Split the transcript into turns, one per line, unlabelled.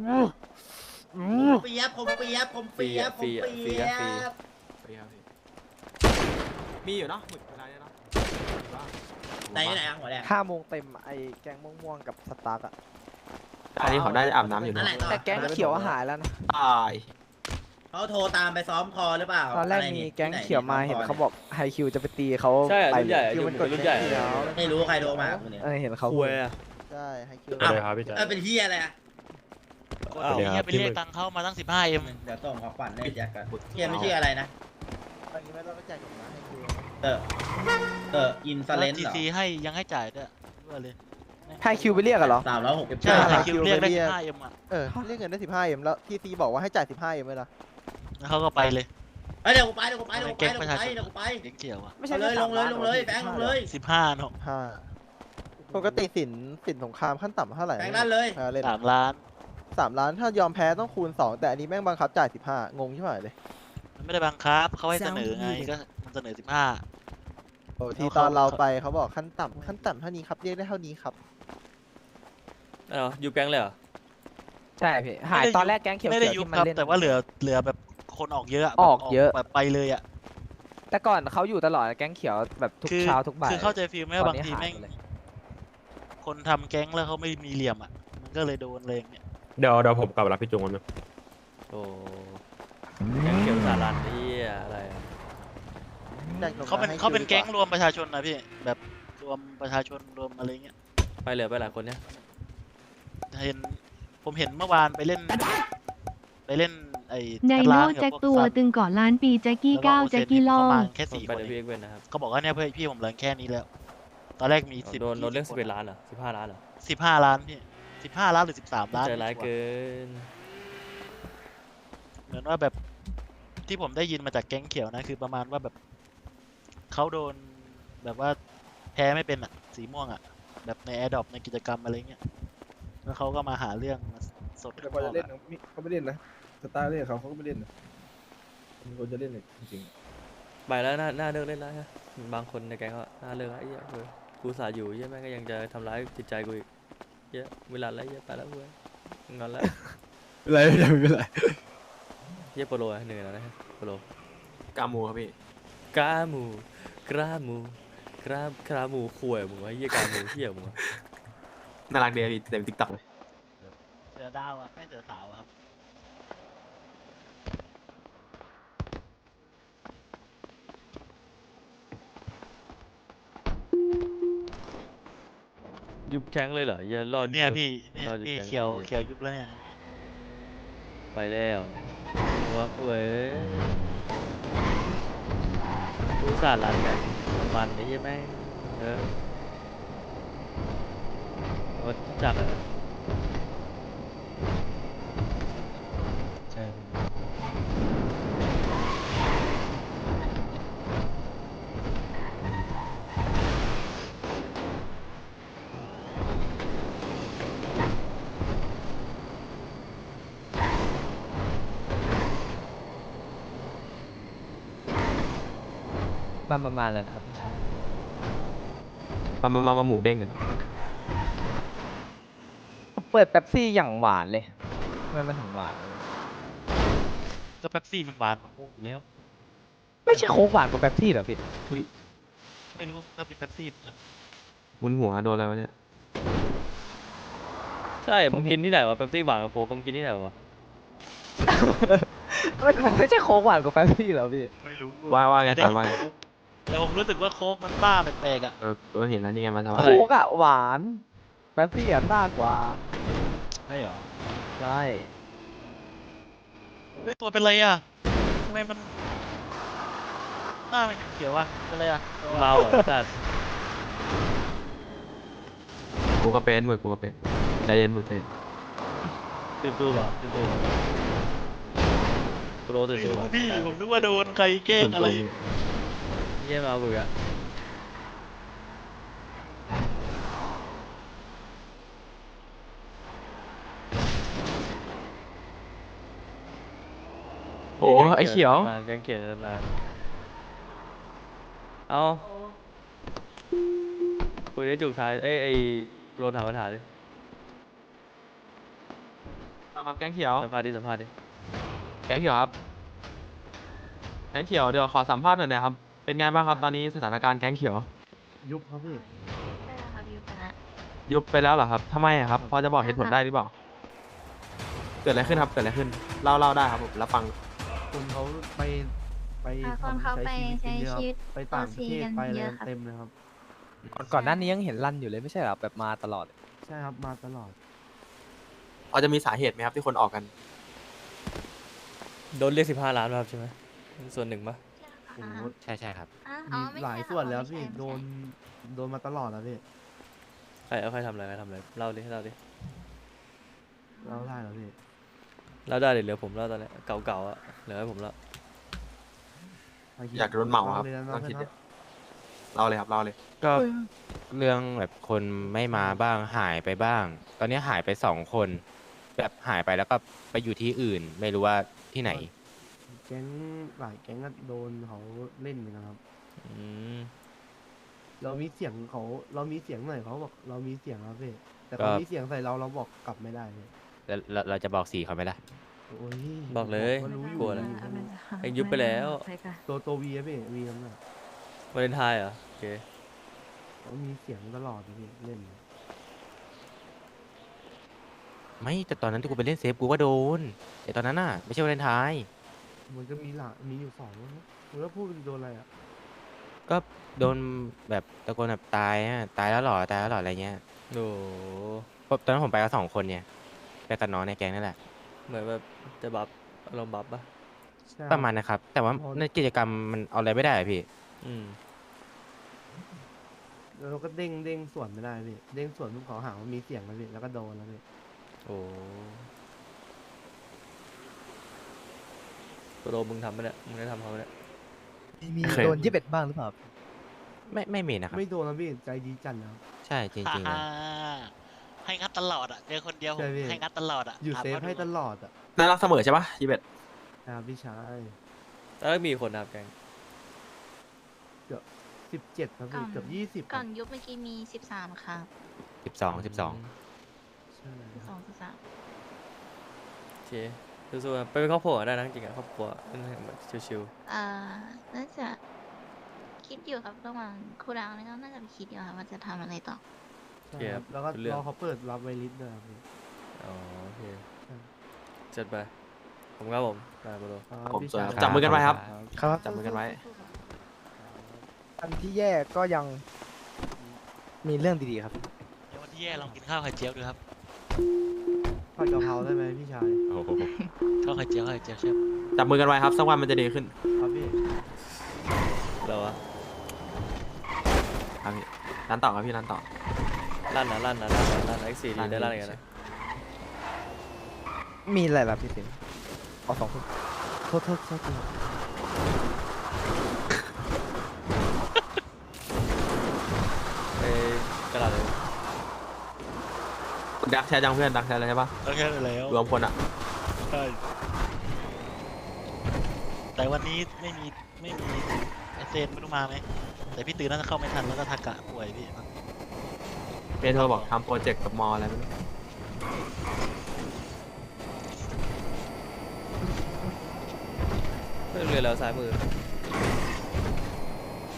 เปียบผมเปียบผมเปียบผมเปียบ
มีอยู่เนาะหมึกอะไรเนาะ
ไหนไหนหัวแดง
5 โมงเต็มไอ้แกงม่วงๆกับสตาร์กอะ
อันนี้เขาได้อาบน้ำอยู่
นั่น
นะ
แหละต่อ
แต่แก๊งเขียวหายแล้วนะ
ตาย
เขาโทรตามไปซ้อมคอหรือเปล่า
ตอนแรกมีแก๊งเขียวมาเห็นเขาบอกไฮคิวจะไปตีเขา
ใช่
ไป
รุ่นใหญ่
คิวมันกด
รุ่นใหญ่
แก๊งเขียว
ไม่รู้ใครโทรมาคุณเนี่ย
เห็นเขา
คุยอะ
ใช่ไฮคิว
อ้าว
ครับพี่แจ๊ค
เป็นเฮียอะไรอ่ะ
อ้าว
เดี๋ยว
เฮียไปเรียกตังค์เข้ามาตั้ง 15M
เดี๋ยวส่งของขวัญให้แจ็คกันเฮียไม่ชื่ออะไรนะ
ตอนนี้ไม่ต้องไปแจกของนะไฮคิว
เตอร์อินซาเลน
ที
เหรอ
ซีให้ยังให้จ่ายด้วยด้วยเลย
ไฮคิวไปเรียกอะเหรอ
ใช่
ใช่
คิวเรียกได้ 15M อ่ะ
เรียกเงินได้ 15M แล้วทีซีบอกว่าให้จ่าย 15M เลยนะ
แล้วเขาก็ไปเลย
เดี๋ยวกูไปเดี๋ยวกูไปเดี๋ยวกูไป
แก๊ง
เดี๋ยว
ประ
กู
ชา
ไป
ชน
เดี๋ยวกูไป
เด็กเกี่ยวอ่ะ
ไม่ใช่
ลงเลยแบงค์ลงเลย
15เนาะ
ปกติสินสงครามขั้นต่ำเท่าไหร่
แบงค์นั่นเลย
เล่น
3 ล้าน
3 ล้านถ้ายอมแพ้ต้องคูณ 2 แต่อันนี้แม่งบังคับจ่าย 15 งงใช่ไหมเลย
มันไม่ได้บังคับเขาให้เสนอไงก็มันเสนอ 15
โอ้ที่ตอนเราไปเขาบอกขั้นต่ำเท่านี้ครับเรียกได้เท่านี้ครับ
อยู่แก๊งเลยเหรอ
ใช่พี่หายตอนแรกแก๊งเขียว
ไม่ได้
ๆ
ยุบ
ที่มัน
ครับ
เล่น
แต่ว่าเหลือแบบคนออกเยอะ
ออกเยอะ
แบบไปเลยอ่ะ
แต่ก่อนเขาอยู่ตลอดแก๊งเขียวแบบทุกเช้าทุกบ่าย
คือเข้าใจฟีลไหม
ต
ว่า
อน
บาง
นี้
ที
หาย
แม่ง
ไปเลย
คนทำแก๊งแล้วเขาไม่มีเหลี่ยมอ่ะมันก็เลยโดนเลยอย่างเนี่ย
เดี๋ยวผมกลับไปรับพี่จุงกันนะ
โอ้แก๊งเขียวสารันนี่อะไรอะ
เขาเป็นแก๊งรวมประชาชนนะพี่แบบรวมประชาชนรวมอะไรเงี้ย
ไปเหลือไปหลายคนเนี่ย
ผมเห็นเมื่อวานไปเล่นไอ้
ได
กั
โน
ร้านกับ
แจ็ค
พวก
ตัว
สัตว์
ตึงเกาะล้านปีแจ็คกี้
แล้ว
ก้าว
โอเซ
แจ็
น
คกี้ล่อ
ประ
ง
มาณแค่
ผม
4
ไป
คน
เดี๋ยว
เอ
พี่
ง
เอกเว้นนะครับ
เขาบอกว่าเนี่ยเพื่อนพี่ผมเหลือแค่นี้แล้ว ตอนแรกมี10
โดนเรื่อง
20
11 ล้านเหรอ15 ล้านเหรอ
15 ล้านพี่15 ล้านหรือ13 ล้าน
ใจร้ายเกิน
เหมือนว่าแบบที่ผมได้ยินมาจากแก๊งเขียวนะคือประมาณว่าแบบเขาโดนแบบว่าแพ้ไม่เป็นอ่ะสีม่วงอ่ะแบบในแอร์ดรอปในกิจกรรมอะไรเงี้ยแล้วเขาก็มาหาเรื่องมาสด
แต่พอจะเล่นนะเขาไม่เล่นนะสตาร์เล่นเขาก็ไม่เล่นนะมีคนจะเล่นเลยจริง
ไปแล้วน่าเลิกเล่นแล้วฮะบางคนในแก๊งเขาน่าเลิกแล้วไอ้เหี้ยเว้ยกูสาอยู่เหี้ยแม่งก็ยังจะทำร้ายจิตใจกูอีกเหี้ยเวลาแล้วเหี้ยไปแล้วเว้ยงอนแล้ว
ๆไม่เป็นไร
เหี้ยโปโลอะเหนื่อยแล้วนะฮะโปโล
กามูครับพี่
กาหมูกราหมูกราหมูข่วยมึงวะเหี้ยกาหมูเหี้ยมึงวะ
น่ารักดีพี่เต็มติ๊กต็อกเลย
เสือดาวอ่ะไม่เสือสาวครับ
ยุบแข้งเลยเหรอเหี้ยรอด
เนี่ยพี่เนี่ย
รอดอยู่
พี่
แก๊ง
เขียวยุบแล้วเนี่ย
ไปแล้ววะเว้ยกูสาดรันกันมันไอ้เหี้ยแม่งวัดจักรอะ
ใช่
ประมาณเลยครับ
มาหมูเด้งกัน
เปิดเป๊ปซี่อย่างหวานเลยมันถึงหวาน
ก็เป๊ปซี่มันหวานกว่าโค้กอยู่แล้ว
ไม่ใช่โค้กหวานกว่าเป๊ปซี่เหรอพี่
ไม่รู้ถ้าเป็นเป๊ปซี่
มุนหัวโดนอะไรวะเนี่ย
ใช่มึงกินที่ไหนวะเป๊ปซี่หวานกับโค้กมึงกินที่ไหนวะ
มันไม่ใช่โค้กหวานกว่าเป๊ปซี่เหรอพี่
ไม่รู้
ว่าไง
แต่
ตอนว่าไง
แต่ผมรู้สึกว่าโค้กมันบ้าแปลกๆอ่ะ
เห็นแล้วนี่ไงมันทำอะไร
โค้กอะหวานเป๊ปซี่อะซ่ากว่า
ไม่หรอ
ใช่
เฮ้ยตัวเป็นไรอ่ะทำไมมันหน้ามันเขียวอ่ะเป็นไรอ่ะ
เมาอ่ะสัตว์
กูก็เป็นมึงกูก็เป็นใจเย็นมึงเต้น
ตื่นตัวป่ะตื่นตัวโปรตื่น
ไม่
ตัว
รู้
ป่ะ
พี่ผมนึกว่าโดนใครแกล้งอะไร
เยี่ยมเอากูอ่ะ
โอ้ไอ้เขียว
มาแกงเขียวมาเอาคุยได้จุกท้ายไอ้โปรถามปัญหาดิ
ครับแก๊งเขียว
สัมภาษณ์ดิสัมภาษณ์ดิ
แก๊งเขียวครับแก๊งเขียวเดี๋ยวขอสัมภาษณ์หน่อยนะครับเป็นไงบ้างครับตอนนี้สถานการณ์แก๊งเขียว
ยุบครับพี่
ได้แล้วครับยูไปละ
ยุบไปแล้วเหรอครับทำไมอะครับพอจะบอกเหตุผลได้หรือเปล่าเกิดอะไรขึ้นครับเกิดอะไรขึ้นเล่าได้ครับผมรับฟัง
คนเขาไป
คนเขาไปใช้ชีวิต
ไปต่างประเทศ
กัน
ไปอะไร
เยอะครับ
เต็มเลยครับ
ก่อนหน้านี้ยังเห็นลั่นอยู่เลยไม่ใช่เหรอแบบมาตลอด
ใช่ครับมาตลอด
พอจะมีสาเหตุไหมครับที่คนออกกัน
โดนเรียก15 ล้านมาครับใช่ไหมส่วนหนึ่งปะ
โอ้โห
ใช่ใช่ครับ
มีหลายส่วนแล้วพี่โดนมาตลอดแล้วพี่
ใครทำอะไรเล่าดิเล่าดิ
เราได้แล้วพี่
เล่าได้เดี๋ยวเหลือผมเล่าตอนนี้เก่าๆอ่ะเหลือให้ผมเล่า
อยากโดนเหมาครับ
เลยนะ
ต้องคิด
เพื่อน
เล่าเลยครับเล่าเลย
ก็เรื่องแบบคนไม่มาบ้างหายไปบ้าง ตอนนี้หายไป2 คน แบบหายไปแล้วก็ไปอยู่ที่อื่น ไม่รู้ว่าที่ไหน
แก๊งหลายแก๊งก็โดนเขาเล่นเหมือนกันครับ
อืม
เรามีเสียงหน่อยเขาบอกเรามีเสียงครับพี่แต่เขามีเสียงใส่เราบอกกลับไม่ได้พี่
แล้วเราจะบอกสีเขาไหมล่ะ
โอ้ย
บอกเลย
ว่ารู้อยู่
กลัวเลย
รู้อยู่
เอ็งยุบไปแล้ว
ตัววีอะพี่วีนั่นน่ะ
วาเลนไทน์เหรอโอเค
เขามีเสียงตลอดเลยพี่เล่น
ไม่แต่ตอนนั้นที่กูไปเล่นเซฟกูก็โดน แต่ตอนนั้นน่ะไม่ใช่วาเลนไทน์
มันก็มีอยู่2นะมันก็พูดเป็นโดนอะไรอ่ะ
ก็โดนแบบตะโกนแบบตายอะตายแล้วเหรอตายแล้วเหรออะไรเงี้ย
โอ้
เพราะตอนนั้นผมไปกับ2 คนเนี่ยไปกับน้องในแก๊งนั่นแหละ
เหมือนแบบจะบัฟอารมณ์บัฟปะ
ใช่
ประมาณนะครับ แต่ว่าในกิจกรรมมันเอาอะไรไม่ได้อะพี่
อืม
แล้วเราก็เด้งสวนไม่ได้พี่เด้งสวนทุกเขาหาว่ามีเสียงแล้วพี่แล้วก็โดนแล้วพี่
โอ้ตัวโดมึงทำปะเนี่ยมึงได้ทำเขาปะเนี่ย
มี
เคย
โดน21บ้างหรือเปล่า
ไม่มีนะครับ
ไม่โดนแล้วพี่ใจดีจัดแล้ว
ใช่จริงๆเลย
ให้งัดตลอดอ่ะเจอคนเดียวผม
ใช่พี่
ให้งัดตลอดอ่ะ
อยู่
ถาม
เซฟ
ขาดู
ให้ตลอดอ่ะ
น่ารักเสมอใช่ปะยีเบ็ด
นะครับพี่ชาย
แล้วมีคนนะครับแกง
17ครับพี่เกือบ20
ก่อนยุบเมื่อกี้มี13ค่ะ
12
ใช่
13
โอเคสู้ๆนะไปเป็นครอบครัวได้นะจริงๆอะครอบครัวนั่นแบบชิว
น่าจะคิดอยู่ครับระหว่างครูดาวนี่ก็น่าจะไปคิดอยู่ค่ะว่าจะทำอะไรต่อ
ใช่ครับแล้วก็รอเขาเปิดรับไวลิสด้วยครับพี่
ๆอ๋อโอเค
ใช่
จัดไปผมครับผมไปโปรโล
ครับ
ผม
พี่
สวย
ชาย
ครับจับมือกันไว้ครับ
ครับ
จับมือกันไว้
อันที่แย่ก็ยังมีเรื่องดีๆครับ
เดี๋ยววันที่แย่ลองกินข้าวไข่เจียวดูครับ
ผัดกะเพราได้ไหมพี่ชาย
โอ้โห
ข้าวไข่เจียวใช่
จับมือกันไว้ครับสักวันมันจะดีขึ้น
ครับพี่
เราอะ
ครับพี่ร้านต่อครับพี่ร้านต่อ
ลั่นX4 ดีได้ลั่นกันนะ
มีอะไรล่ะพี่สิงห์เอา2 คนโทษที
ไปกระดาษเลย
ดักแชร์จังเพื่อนดักแชร์เลยใช่ปะ
ก็แค่นั้นแล้ว
รวมคนอ่ะ
ใช่แต่วันนี้ไม่มีไอเซนไม่รู้มาไหมแต่พี่ตื่นน่าจะเข้าไม่ทันแล้วก็ทากะป่วยพี่
เมโทรบอกทำโปรเจกต์กับมออะไรไม่รู้
เพื่อนเรือแล้วซ้ายมือ